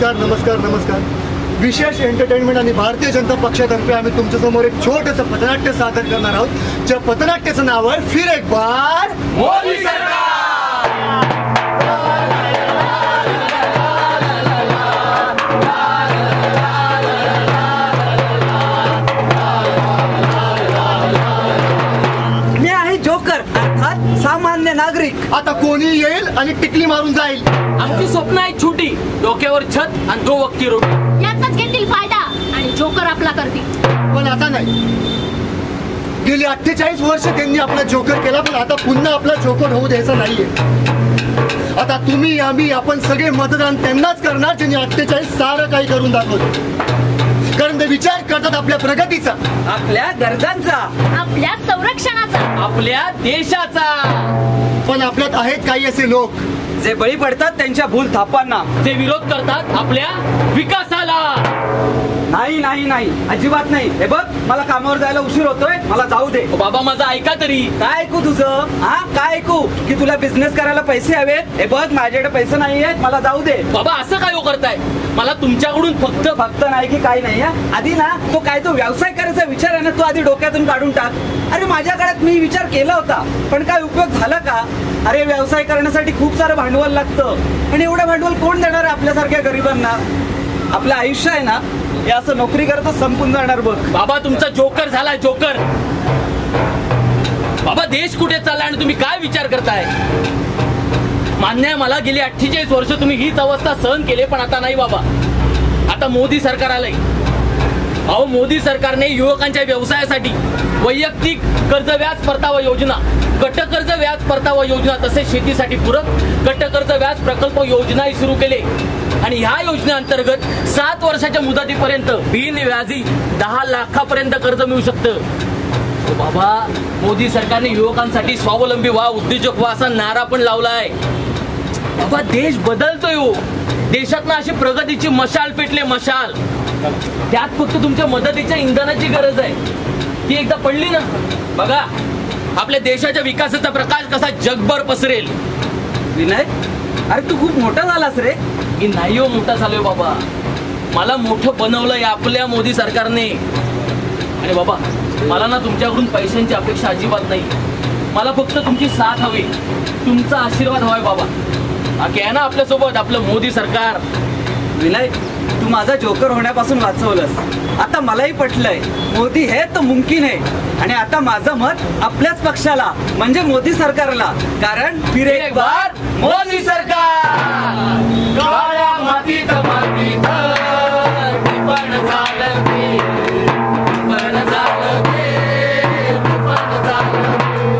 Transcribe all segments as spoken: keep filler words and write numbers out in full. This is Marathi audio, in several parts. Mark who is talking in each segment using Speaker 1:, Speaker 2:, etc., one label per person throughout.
Speaker 1: नमस्कार नमस्कार नमस्कार. विशेष एंटरटेनमेंट आणि भारतीय जनता पक्षातर्फे आम्ही तुमच्यासमोर एक छोटंसं पथनाट्य सादर करणार आहोत, ज्या पथनाट्याचं नाव आहे फिर एक बार मोदी सरकार.
Speaker 2: मी आहे जोकर, अर्थात सामान्य नागरिक.
Speaker 1: आता कोणी येईल आणि टिकली मारून जाईल.
Speaker 3: आमची स्वप्न आहे छोटी, डोक्यावर छत आणि दो वक्ती रोटी.
Speaker 4: याचाच घेतील फायदा आणि जोकर आपला करतील.
Speaker 1: पण आता नाही. गेली अठ्ठेचाळीस वर्ष त्यांनी आपला जोकर केला, पण आता पुन्हा आपला जोकर होऊ द्यायचा नाहीये. आता तुम्ही आम्ही आपण सगळे मतदान त्यांनाच करणार ज्यांनी अठ्ठेचाळीस सारं काही करून दाखवलं. कारण ते विचार करतात आपल्या प्रगतीचा,
Speaker 2: आपल्या गरजांचा,
Speaker 4: आपल्या संरक्षणाचा,
Speaker 3: आपल्या देशाचा.
Speaker 1: पण आपल्यात आहेत काही असे लोक
Speaker 2: जे बळी पडतात त्यांच्या भूल थापांना,
Speaker 3: जे विरोध करतात आपल्या विकासाला.
Speaker 2: नाही नाही नाही, अजिबात नाही. हे बघ, मला कामावर जायला उशीर होतोय, मला जाऊ दे.
Speaker 3: बाबा माझं ऐका तरी.
Speaker 2: काय ऐकू तुझं? हा काय ऐकू? की तुला बिझनेस करायला पैसे हवेत? हे बघ, माझ्याकडे पैसे नाही आहेत, मला जाऊ दे.
Speaker 3: बाबा असं काय हो करताय? मला तुमच्याकडून फक्त
Speaker 2: फक्त नाही की काही नाही. आधी ना तो काय तो व्यवसाय करायचा विचार आहे ना, तो आधी डोक्यातून काढून टाक. अरे माझ्या काळात मी विचार केला होता, पण काय उपयोग झाला का? अरे व्यवसाय करण्यासाठी खूप सारं भांडवल लागतं, आणि एवढं भांडवल कोण देणार आहे आपल्यासारख्या गरिबांना? आपलं आयुष्य आहे ना, हे असं नोकरी करता संपून जाणार बघ.
Speaker 3: बाबा तुमचा जोकर झाला जोकर. बाबा देश कुठे चालला आणि तुम्ही काय विचार करताय? मान्य आहे मला, गेली अठ्ठेचाळीस वर्ष तुम्ही हीच अवस्था सहन केली, पण आता नाही बाबा. आता मोदी सरकार आलंय. अहो मोदी सरकारने युवकांच्या व्यवसायासाठी वैयक्तिक कर्ज व्याज परतावा योजना, गट कर्ज व्याज परतावा योजना, तसेच शेतीसाठी पूरक गट कर्ज व्याज प्रकल्प योजनाही सुरू केले. आणि ह्या योजनेअंतर्गत सात वर्षाच्या मुदतीपर्यंत बिनव्याजी दहा लाखापर्यंत कर्ज मिळू शकतं. बाबा मोदी सरकारने युवकांसाठी स्वावलंबी व्हा, उद्योजक व्हा असा नारा पण लावलाय. बाबा देश बदलतोय हो. देशात ना अशी प्रगतीची मशाल पेटले, मशाल. त्यात फक्त तुमच्या मदतीच्या इंधनाची गरज आहे. ती एकदा पडली ना, बघा आपल्या देशाच्या विकासाचा प्रकाश कसा जगभर पसरेल.
Speaker 2: विनय, अरे तू खूप मोठा झालास रे.
Speaker 3: मी नाही हो मोठा झालोय बाबा, मला मोठं बनवलंय आपल्या मोदी सरकारने. आणि बाबा मला ना तुमच्याकडून पैशांची अपेक्षा अजिबात नाही. मला फक्त तुमची साथ हवी, तुमचा आशीर्वाद हवाय बाबा. बाकी आहे ना आपल्यासोबत आपलं मोदी सरकार.
Speaker 2: विनय, तू माझा जोकर होण्यापासून वाचवलंस. आता मलाही पटलंय, मोदी है तो मुमकिन है. आणि आता माझं मत आपल्याच पक्षाला म्हणजे मोदी सरकारला. कारण फिर एक बार
Speaker 3: मोदी सरकार. काळ्या मातीत मातीत पण झालं ते, पण झालं ते, पण झालं.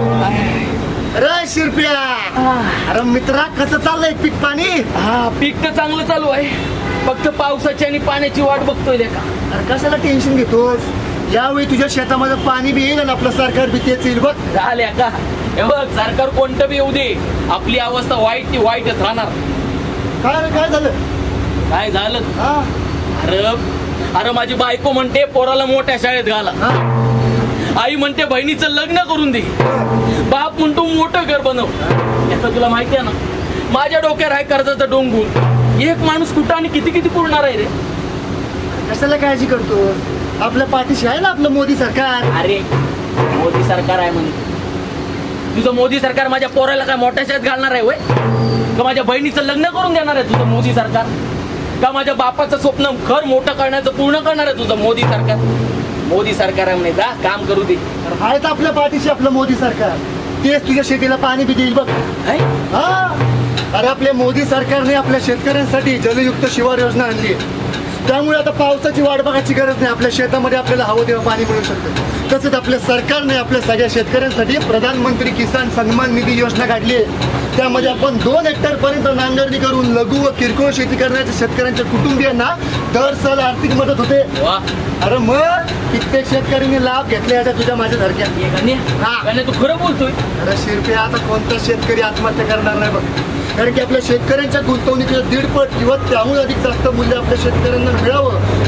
Speaker 1: अरे शिरप्या, अरे मित्रा कसं चाललंय पीक पाणी?
Speaker 3: हा पीक तर चांगलं चालू आहे, फक्त पावसाची आणि पाण्याची वाट बघतोय का.
Speaker 1: अरे कशाला टेन्शन घेतोस? यावेळी तुझ्या शेतामध्ये पाणी बी येईल आणि आपलं सरकार बी तेच येईल बघ.
Speaker 3: झाल्या का? हे बघ सरकार कोणतं बी येऊ दे, आपली अवस्था वाईट ती वाईटच राहणार.
Speaker 1: काय रे काय झालं?
Speaker 3: काय झालं?
Speaker 1: हा
Speaker 3: अरे अरे माझी बायको म्हणते पोराला मोठ्या शाळेत घाला,
Speaker 1: हा
Speaker 3: आई म्हणते बहिणीचं लग्न करून दे, बाप म्हणतो मोठं घर बनव. याचं तुला माहिती आहे ना, माझ्या डोक्यावर आहे कर्जाचा डोंगूर. एक माणूस कुठं आणि किती किती पुरणार आहे रे?
Speaker 1: कशाला काळजी करतो? आपल्या पाठीशी आहे ना आपलं मोदी सरकार.
Speaker 3: अरे मोदी सरकार आहे म्हणजे तुझं मोदी सरकार माझ्या पोराला काय मोठ्या शाळेत घालणार आहे वय? का माझ्या बहिणीचं लग्न करून देणार आहे तुझं मोदी सरकार? का माझ्या बापाचं स्वप्न घर मोठं करण्याचं पूर्ण करणार आहे तुझं मोदी सरकार? मोदी सरकार आहे म्हणे, जा काम करू दे.
Speaker 1: आहे तर आपल्या पाठीशी आपलं मोदी सरकार. तेच तुझ्या शेतीला पाणी बी देईल बघ. हा अरे आपल्या मोदी सरकारने आपल्या शेतकऱ्यांसाठी जलयुक्त शिवार योजना आणली आहे. त्यामुळे आता पावसाची वाट बघायची गरज नाही, आपल्या शेतामध्ये आपल्याला हवं तेव्हा पाणी मिळू शकतं. तसंच आपल्या सरकारने आपल्या सगळ्या शेतकऱ्यांसाठी प्रधानमंत्री किसान सन्मान निधी योजना काढली आहे. त्यामध्ये आपण दोन हेक्टर पर्यंत नांगरणी करून लघु व किरकोळ शेती करण्याच्या शेतकऱ्यांच्या कुटुंबियांना दर साल आर्थिक मदत होते. अरे मग कित्येक शेतकऱ्यांनी लाभ घेतले याच्या तुझ्या माझ्यासारख्या.
Speaker 3: तू खरं बोलतोय?
Speaker 1: अरे शिरपे, आता कोणता शेतकरी आत्महत्या करणार नाही बघ. कारण की आपल्या शेतकऱ्यांच्या गुंतवणुकीचं दीडपट किंवा त्याहून अधिक जास्त मूल्य आपल्या शेतकऱ्यांना मिळावं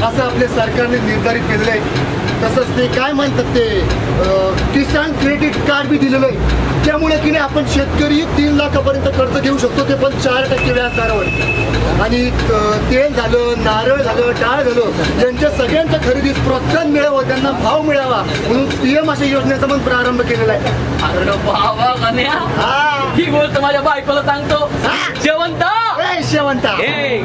Speaker 1: असं आपल्या सरकारने निर्धारित केलेलं आहे. तसंच ते काय म्हणतात ते अं, किसान क्रेडिट कार्ड बी दिलेलं आहे. त्यामुळे की नाही आपण शेतकरी तीन लाखापर्यंत कर्ज घेऊ शकतो, ते पण चार टक्के व्याजदरावर. आणि अं, तेल झालं, नारळ झालं, डाळ झालं, यांच्या सगळ्यांच्या खरेदीस प्रोत्साहन मिळावं, त्यांना भाव मिळावा म्हणून पीएम अशा योजनेचा पण प्रारंभ केलेला आहे.
Speaker 3: अरे बाबा गण्या,
Speaker 1: हा.
Speaker 3: ही गोष्ट माझ्या बायकोला सांगतो. शेवंत
Speaker 1: ए, शेवंता
Speaker 3: ए,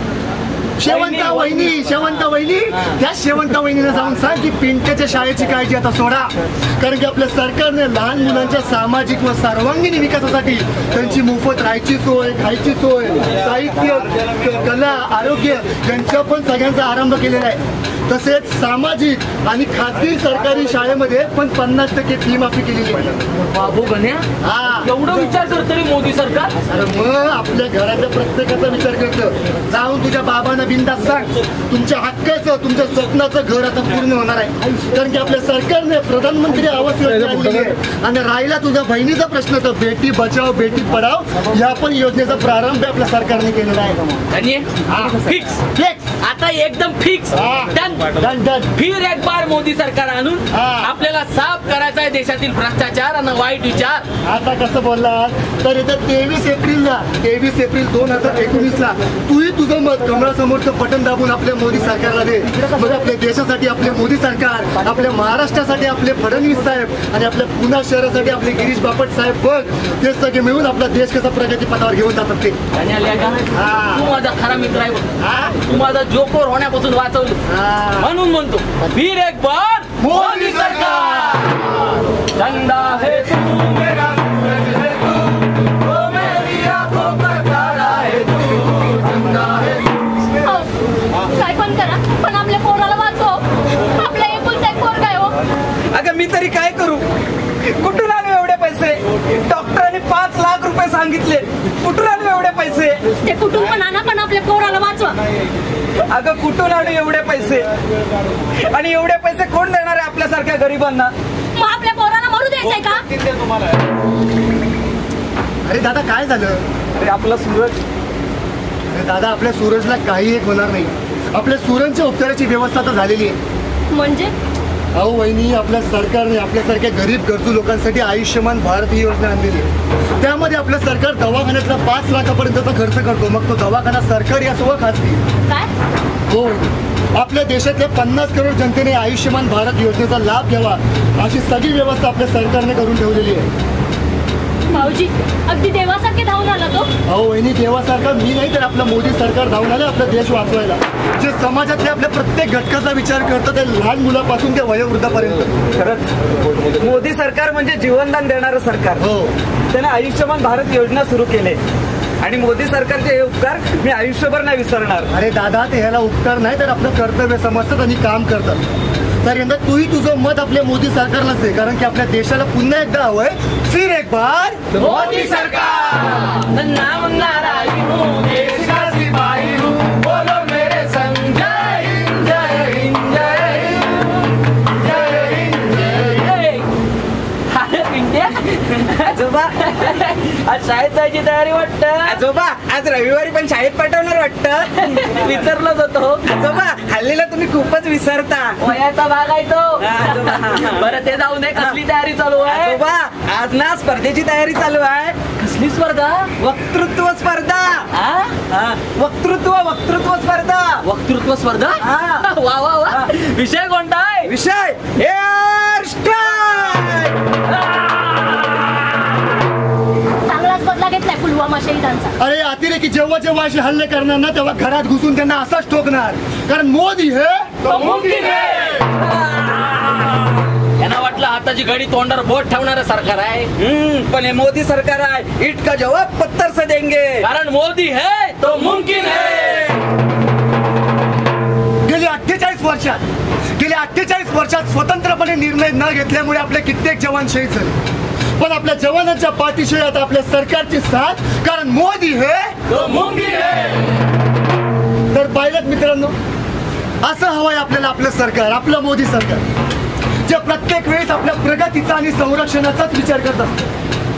Speaker 1: शेवंता वहिनी शेवंता वहिनी त्या शेवंता वहिनीला जाऊन सांग की पिंट्याच्या शाळेची काळजी आता सोडा. कारण की आपल्या सरकारने लहान मुलांच्या सामाजिक व सर्वांगीण विकासासाठी त्यांची मोफत राहायची सोय, खायची सोय, साहित्य, क- कला, आरोग्य यांच्या पण सगळ्यांचा आरंभ केलेला आहे. तसेच सामाजिक आणि खाजगी सरकारी शाळेमध्ये पण पन्नास टक्के फी माफी केलेली आहे.
Speaker 3: बाबू गण्या,
Speaker 1: हा
Speaker 3: एवढं विचार करतो रे मोदी सरकार.
Speaker 1: अरे मग आपल्या घराच्या प्रत्येकाचा विचार करतं. जाऊन तुझ्या बाबांना बिंदास सांग तुमच्या हक्काचं, तुमच्या स्वप्नाचं घर आता पूर्ण होणार आहे. कारण की आपल्या सरकारने प्रधानमंत्री आवास योजना आणलेली आहे. आणि राहिला तुझ्या बहिणीचा प्रश्न तर बेटी बचाव बेटी पढाव या पण योजनेचा प्रारंभ आपल्या सरकारने केलेला आहे.
Speaker 3: Fix
Speaker 1: Fix.
Speaker 3: आता एकदम फिक्स.
Speaker 1: हा. Done, done.
Speaker 3: फिर एक बार मोदी सरकार आणून
Speaker 1: हा.
Speaker 3: आपल्याला साफ करायचा आहे देशातील भ्रष्टाचार आणि वाईट विचार.
Speaker 1: आता कसं बोललास तर इथं तेवीस एप्रिलला तेवीस एप्रिल दोन हजार एकोणीस ला तूही तुझं मत कमळासमोरचं बटन दाबून आपल्या मोदी सरकारला दे. मग आपल्या देशासाठी आपले मोदी सरकार, आपल्या महाराष्ट्रासाठी आपले फडणवीस साहेब आणि आपल्या पुणे शहरासाठी आपले गिरीश बापट साहेब बघ ते सगळे मिळून आपला देश कसा प्रगती पथावर घेऊन जातात ते.
Speaker 3: आणि आल्या का?
Speaker 1: हा.
Speaker 3: तू माझा खरा मित्र आहे बघ.
Speaker 1: हा?
Speaker 3: तू माझा जोकोर होण्यापासून वाचवलं.
Speaker 1: हा.
Speaker 3: म्हणून म्हणतो फिर एक बार मोदी सरकार. चंदा है तू मेरा सूरज है तू, ओ मेरी आंखों का तारा है तू, चंदा है तू.
Speaker 4: अहो, काय पण करा पण आपल्या पोराला वाचव. आपल्या एकुलता एक पोरगा आहे हो.
Speaker 2: अगं मी तरी काय करू? कुठून आले एवढे पैसे? डॉक्टरांनी पाच लाख रुपये सांगितले. कुठून आले एवढे पैसे?
Speaker 4: ते कुठून पण आणा पण आपल्या पोराला वाचवा.
Speaker 2: अगं कुठून आले एवढे पैसे? आणि एवढे पैसे कोण देणार आहे आपल्यासारख्या गरिबांना?
Speaker 4: मग आपल्या पोराला मरू द्यायचंय का?
Speaker 1: अरे दादा काय झालं?
Speaker 2: अरे आपला सूरज.
Speaker 1: अरे दादा आपल्या सूरजला काही एक होणार नाही. आपल्या सूरजच्या उपचाराची व्यवस्था तर झालेली आहे.
Speaker 4: म्हणजे
Speaker 1: अहो वहिनी आपल्या सरकारने आपल्यासारख्या गरीब गरजू लोकांसाठी आयुष्यमान भारत ही योजना आणलेली आहे. त्यामध्ये आपलं सरकार दवाखान्यातला पाच लाखापर्यंतचा खर्च करतो. मग तो दवाखाना सरकारी असो व खाजगी.
Speaker 4: काय?
Speaker 1: हो आपल्या देशातल्या पन्नास करोड जनतेने आयुष्यमान भारत योजनेचा लाभ घ्यावा अशी सगळी व्यवस्था आपल्या सरकारने करून ठेवलेली आहे.
Speaker 4: भाऊजी अगदी देवासारखे धावून आला तो.
Speaker 1: अहो वहिनी देवासारखा मी नाही तर आपलं मोदी सरकार धावून आलं आपला देश वाचवायला. जे समाजातल्या आपल्या प्रत्येक घटकाचा विचार करतं ते लहान मुलापासून ते वयोवृद्धापर्यंत.
Speaker 2: खरंच मोदी सरकार म्हणजे जीवनदान देणारं सरकार.
Speaker 1: हो
Speaker 2: त्याने आयुष्यमान भारत योजना सुरू केले आणि मोदी सरकारचे हे उपकार मी आयुष्यभर नाही विसरणार.
Speaker 1: अरे दादा ते ह्याला उपकार नाही तर आपलं कर्तव्य समजतात आणि काम करतात. तर यंदा तूही तुझं मत आपल्या मोदी सरकारलाच दे. कारण की आपल्या देशाला पुन्हा एकदा हवंय फिर एक बार
Speaker 3: मोदी सरकार. नाम नाराई हूँ, देश का सिपाही हूँ, बोलो मेरे संग जय हिंद जय हिंद जय हिंद जय हिंद जय हिंद. अरे पिंट्या,
Speaker 2: आजोबा
Speaker 3: आज शाळेत जायची तयारी वाटतं.
Speaker 2: आजोबा आज रविवारी पण शाळेत पाठवणार वाटतं.
Speaker 3: विसरलोच होतो.
Speaker 2: आजोबा हल्लीला तुम्ही खूपच विसरता.
Speaker 3: वयाचा भाग आहे तो.
Speaker 2: हा, आजोबा.
Speaker 3: बरं ते जाऊ दे. कसली तयारी चालू आहे?
Speaker 2: आजोबा आज ना स्पर्धेची तयारी चालू आहे.
Speaker 3: कसली स्पर्धा?
Speaker 2: वक्तृत्व स्पर्धा.
Speaker 3: आ?
Speaker 2: हा, वक्तृत्व वक्तृत्व स्पर्धा.
Speaker 3: वक्तृत्व स्पर्धा.
Speaker 2: हा.
Speaker 3: वा वा वा.
Speaker 2: हा.
Speaker 3: विषय कोणता आहे?
Speaker 2: विषय हेअर स्टाईल.
Speaker 4: चांगलाच बदला घेतलाय पुलवामा शहीदांचा.
Speaker 1: अरे अतिरेकी जेव्हा जेव्हा असे हल्ले करणार ना तेव्हा घरात घुसून त्यांना असाच ठोकणार. कारण मोदी हे
Speaker 3: तो मुमकिन आहे. यांना वाटलं हाताची घडी तोंडावर बोट ठेवणारं सरकार आहे.
Speaker 2: हम्म, पण हे मोदी सरकार आहे. ईट का जवाब पत्थर से देंगे.
Speaker 3: कारण मोदी है तो मुमकिन है.
Speaker 1: गेली अठ्ठेचाळीस वर्षात गेल्या अठ्ठेचाळीस वर्षात स्वतंत्रपणे निर्णय न घेतल्यामुळे आपले कित्येक जवान शहीद झाले. पण आपल्या जवानांच्या पाठीशी आता आपल्या सरकारची साथ. कारण मोदी हे
Speaker 3: तो मुमकिन है.
Speaker 1: तर पाहिलं मित्रांनो असं हवंय आपल्याला आपलं सरकार, आपलं मोदी सरकार जे प्रत्येक वेळेस आपल्या प्रगतीचा आणि संरक्षणाचाच विचार करत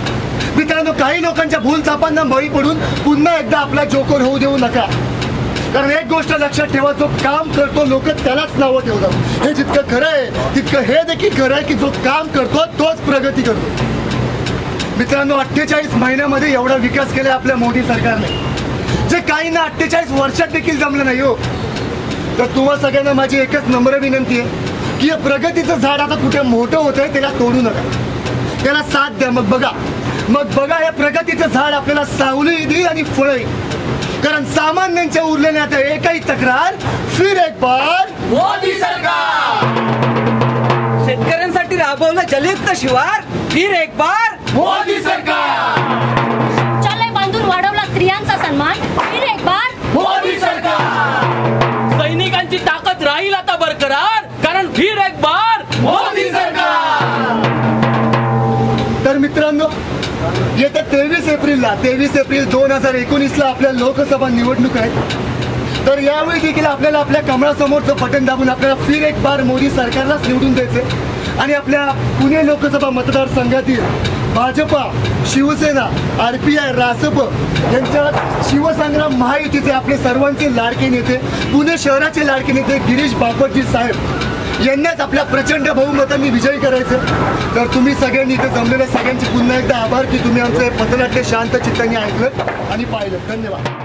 Speaker 1: असतं. मित्रांनो काही लोकांच्या भूलथापांना बळी पडून पुन्हा एकदा आपला जोकर होऊ देऊ नका. कारण एक गोष्ट लक्षात ठेवा, जो काम करतो लोक त्यालाच नावं ठेवतात. हे जितकं खरं आहे तितकं हे देखील खरं आहे की जो काम करतो तोच प्रगती करतो. मित्रांनो, अठ्ठेचाळीस महिन्यामध्ये एवढा विकास केला आपल्या मोदी सरकारने, जे काहींना अठ्ठेचाळीस वर्षात देखील जमलं नाही हो. तर तुम्हा सगळ्यांना माझी एकच नम्र विनंती आहे की हे प्रगतीचं झाड आता कुठे मोठं होतंय त्याला तोडू नका, त्याला साथ द्या. मग बघा मग बघा हे प्रगतीचं झाड आपल्याला सावली देईल आणि फळं येईल. कारण सामान्यांच्या उरलेल्या आता एकही तक्रार, फिर एक बार
Speaker 3: मोदी सरकार.
Speaker 2: शेतकऱ्यांसाठी राबवलं जलयुक्त शिवार, फिर एक बार
Speaker 3: मोदी सरकार.
Speaker 4: शौचालय बांधून वाढवला स्त्रियांचा सन्मान, फिर एक बार
Speaker 3: मोदी सरकार. सैनिकांची ताकद राहील आता बरकरार, कारण फिर एक बार मोदी सरकार.
Speaker 1: तर मित्रांनो, येत्या तेवीस एप्रिलला तेवीस एप्रिल दोन हजार एकोणीसला आपल्या लोकसभा निवडणूक आहेत. तर यावेळी देखील आपल्याला आपल्या कमळासमोरचं बटन दाबून आपल्याला फिर एक बार मोदी सरकारलाच निवडून द्यायचे आणि आपल्या पुणे लोकसभा मतदारसंघातील Bhajpa, Shiv Sena, R P I, Rasap यांच्या शिवसंग्राम महायुतीचे आपले सर्वांचे लाडके नेते, पुणे शहराचे लाडके नेते गिरीश बापटजी साहेब यांनाच आपल्या प्रचंड बहुमतांनी विजयी करायचं. तर तुम्ही सगळ्यांनी इथे जमलेल्या सगळ्यांचे पुन्हा एकदा आभार की तुम्ही आमचं पथनाट्य शांत चित्ताने ऐकलं आणि पाहिलं. धन्यवाद.